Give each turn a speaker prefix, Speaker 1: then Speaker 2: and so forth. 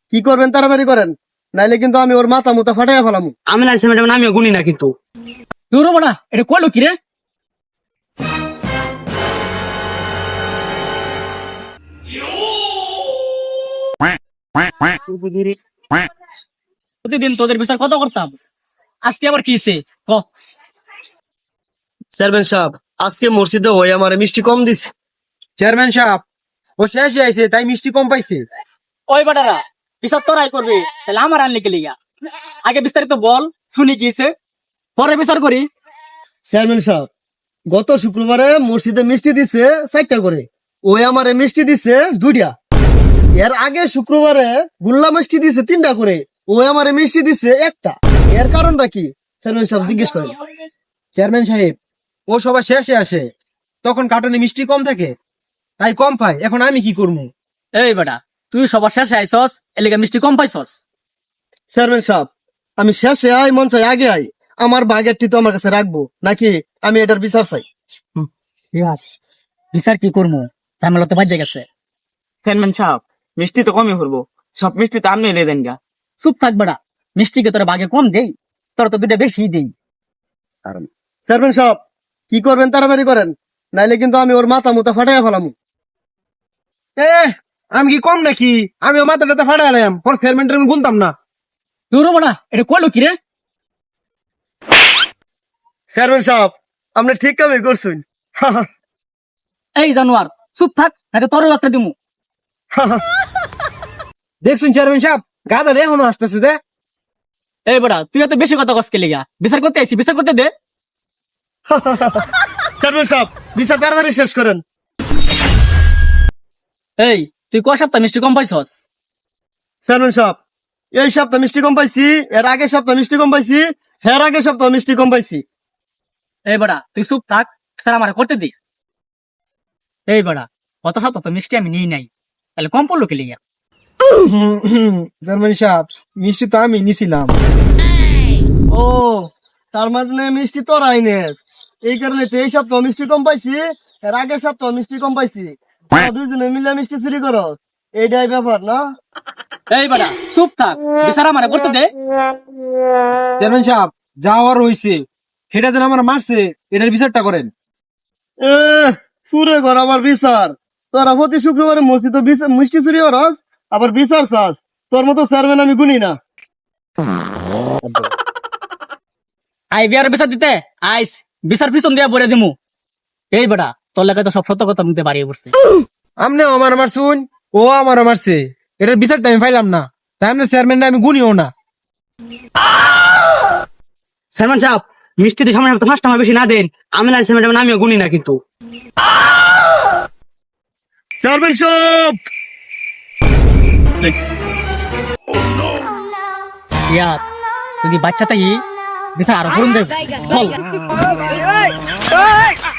Speaker 1: কি করবেন তাড়াতাড়ি করেন, নাইলে কিন্তু আমি ওর মাথা মুতা ফাটাইয়া ফেলাম।
Speaker 2: আমি লাইছি ম্যাডাম, আমিও গুনি না কিন্তু।
Speaker 3: তোর না এটা কইলো কি রে? প্রতিদিন তোদের বিচার কত করতাম, আজকে আবার কি হইছে ক?
Speaker 1: চেয়ারম্যান সাহেব, আজকে মসজিদে ওই আমার মিষ্টি কম দিছে।
Speaker 4: চেয়ারম্যান সাহেব, ও শেষে আইছে তাই মিষ্টি কম পাইছে।
Speaker 3: ওই বেটারা বিচার তোরাই করবি, তাহলে আমার আনলি কে লিগা? আগে বিস্তারিত বল, শুনি কি হইছে, পরে বিচার করি।
Speaker 1: চেয়ারম্যান সাহেব, গত শুক্রবারে মসজিদে মিষ্টি দিছে 4টা করে, ওই আমারে মিষ্টি দিছে 2টা। এর আগে শুক্রবারে গুল্লা মিষ্টি দিছে 3টা করে, ওই আমারে মিষ্টি দিছে 1টা। এর কারণটা কি চেয়ারম্যান সাহেব জিজ্ঞেস করেন।
Speaker 4: চেয়ারম্যান সাহেব, ও সবার শেষে আসে, তখন কার্টনে মিষ্টি কম থাকে, তাই কম পায়। এখন আমি কি করবো?
Speaker 3: এই বেটা, তুই সবার শেষে আইসস, এলিগা মিষ্টি কম পাইছস।
Speaker 1: চেয়ারম্যান সাহেব, আমি শেষে আই মন চাই আগে আই, আমার বাগেরটি তো আমার কাছে রাখবো নাকি? আমি এটার বিচার চাই।
Speaker 3: বিচার কি করবো, ঝামেলা তো বাজে গেছে।
Speaker 2: চেয়ারম্যান সাহেব, মিষ্টি তো কমই করবো, সব মিষ্টি তো আপনি এনে দেন গা।
Speaker 3: চুপ থাক বেটা, মিষ্টিকে তোরা বাগে কম দেই, তোরা তো 2টা বেশি দেই।
Speaker 1: চেয়ারম্যান সাহেব, কি করবেন তাড়াতাড়ি করেন, নাইলে কিন্তু আমি ওর মাথা মুতা ফাটাইয়া ফেলাম।
Speaker 4: আমি কি কম নাকি? আমি ও মাথাটাতে ফাটাইলাম, পর চেয়ারম্যানটা আমি গুনতাম না।
Speaker 3: তোর না এটা কইলো কি রে?
Speaker 1: চেয়ারম্যান সাহেব, আপনি ঠিক কামই করছেন।
Speaker 3: এই জানোয়ার, চুপ থাক, নাকি তোরও একটা দিমু।
Speaker 4: দেখছুন চেয়ারম্যান সাহেব, গাদা এখনো আসতেছে দে।
Speaker 3: এই বেটা, তুই এত বেশি কথা কসকে লিগা, বিচার করতে আইছি, বিচার করতে দে।
Speaker 1: চেয়ারম্যান সাহেব, বিচার তাড়াতাড়ি শেষ করেন।
Speaker 3: এই তুই কয় সপ্তাহ মিষ্টি কম পাইছস?
Speaker 1: চেয়ারম্যান সাহেব, এই সপ্তাহ মিষ্টি কম পাইছি, এর আগের সপ্তাহ মিষ্টি কম পাইছি, এর আগের সপ্তাহ মিষ্টি কম পাইছি।
Speaker 3: এই বেটা, তুই চুপ থাক, স্যার আমার করতে দি। এই বেটা, কত সপ্তাহ তো মিষ্টি আমি নিই নাই, তাহলে কম পড়লো কি লিগা?
Speaker 4: চেয়ারম্যান সাহেব, মিষ্টি তো আমি নিছিলাম।
Speaker 1: ও, তার মানে মিষ্টি তোর আইনের, এই কারণে তো এই সপ্তাহ মিষ্টি কম পাইছি, এর আগের সপ্তাহ মিষ্টি কম পাইছি। তোরা দুইজনে মিলে মিষ্টি চুরি করো, এইটাই ব্যাপার না?
Speaker 3: এই বেটা, চুপ থাক, বিচার আমার করতে দে।
Speaker 4: চেয়ারম্যান সাহেব, যা হওয়ার হয়েছে, সেটা যেন আমার মারছে, এটার বিচারটা করেন।
Speaker 1: এ, চুরে কর আবার বিচার? তোরা প্রতি শুক্রবারে মসজিদে মিষ্টি চুরি করস, আবার বিচার চাস? তোর মতো চেয়ারম্যান আমি গুনি না।
Speaker 3: আই বিয়ার বিচার দিতে আইস, বিচার পিছন দিয়া বলে দিমু। এই বেটা, তোর লেগে তো সব সত্য কথা নিতে বাড়িয়ে পড়ছে।
Speaker 4: আমনেও আমার মারছুন, ও আমার মারছে, এটার বিচারটা আমি পাইলাম না, তাই আপনার চেয়ারম্যানটা আমি গুনিও না।
Speaker 2: চেয়ারম্যান সাহেব, মিষ্টি তো সামনে ফার্স্ট আমার বেশি না দেন, আমি লাইছি ম্যাডাম, আমিও গুনি না কিন্তু।
Speaker 1: চেয়ারম্যান সাহেব,
Speaker 3: ইয়া তুই বাচ্চা তাই বিচার আরো করুন দেব।